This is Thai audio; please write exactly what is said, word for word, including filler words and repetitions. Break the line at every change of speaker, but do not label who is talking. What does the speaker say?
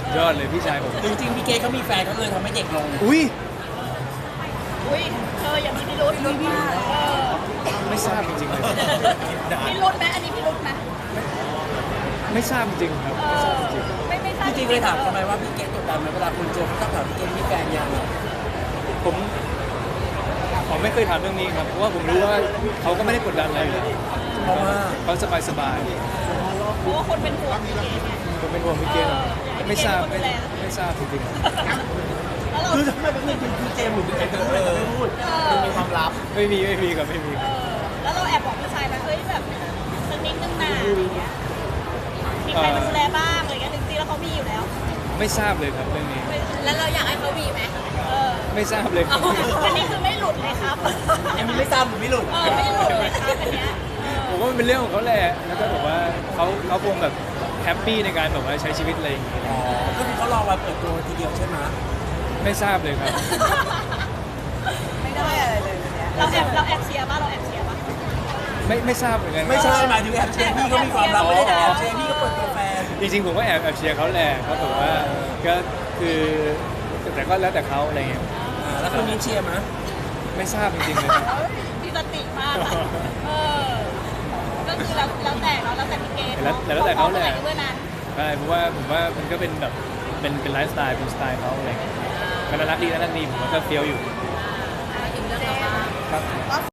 ยอดเลยพี่ชายผม
จริงๆพี่เกดเขามีแฟนเขาเลยทำให้เด็กลง
อุ้ย
อุ้ยเธออย่ามีพิรุธลุ้นมากเออ
ไม่ทราบจริงๆเลย
พิรุธไหมอันนี้พิรุธไหม
ไม่ทราบจริงๆครับ
เอ
ไม่ทราบ
อ
จริง
ไม่ไม่ทราบ
จริงๆเคยถามทำไมว่าพี่เกดกดดันไหมเวลาคุณเจอเขาต้องถามพี่เกดมีแฟนยัง
ๆผมผมไม่เคยถามเรื่องนี้ครับเพราะว่าผมรู้ว่าเขาก็ไม่ได้กดดันอะไรอยู่แล้ว
เพราะว่า
เขาสบายสบาย
เพราะว่าคนเป็นห่วงพี่เกดไง
ๆผมเป็นห่วงพี่เกดไม่ทราบไม่ไม่ทราบจริง
แล้วเรา
คือทำไมเป็นคือคือเจมส์หรือเป็นเจมส์เลยไม่พูดมันมีความลับ
ๆไม่มีไม่มีครับไม่มี
เออแล้วเราแอบบอกผู้ชายไหมเฮ้ยแบบสักนิดนึงนะอะไรเงี้ยมีใครมาดูแลบ้างอะไรเงี้ยจริงๆแล้วเขามีอยู่แล้ว
ไม่ทราบเลยครับเรื่องนี้
แล้วเราอยากให้เขามีไหมเออ
ไม่ทราบเลยครับ
อันนี้คือไม่หลุดเลยครับ
อันนี้ไม่ทราบหรือไม่หลุด
เออไม่หลุดเลยครับอันเนี้ยเออ
ผมว่ามันเป็นเรื่องของเขาแหละแล้วก็แบบว่าเขาเขาคงแบบแฮปปี้ในการแบบว่าใช้ชีวิตอะไรอย่างงี้
อ๋อก็คือเขารอวันเปิดตัวทีเดียวใช่ไหม
ไม่ทราบเลยครับ
ไม่ได้อะไรเลยเนี่ยเราแอบเราแอบเชียร์ป่ะเราแอบเชียร์ป่ะ
ไม่ไม่ทราบเหมือนกัน
ไม่ใช่หมายถึงแอบเชียร์พี่เขามีความลับไม่ได้แต่แอบเชียร์พี่ก็เปิดตัวแฟน
จริงๆผมก็แอบแอบเชียร์เขาแหละเขาบอกว่าก็คือแต่ก็แล้วแต่เขาอะไรเงี้ย
อ่าแล้วคนนี้เชียร์มั้ย
ไม่ทราบจริงๆเลยครับ
มีสติมากอะเออก็คือแล้วแล้วแต่เนาะแล้วแต่พี่เกด
แล้วแล้วแต่เขาแหละ
เมื่อนั้น
ใช่เพราะว่าผมว่ามันก็เป็นแบบเป็นเป็นไลฟ์สไตล์เป็นสไตล์เขาอะไรเงี้ยก็น่ารักดีน่ารักดีผมว่าก็เฟี้ยวอยู่
ถึงเรื่องต่อมา
ครับ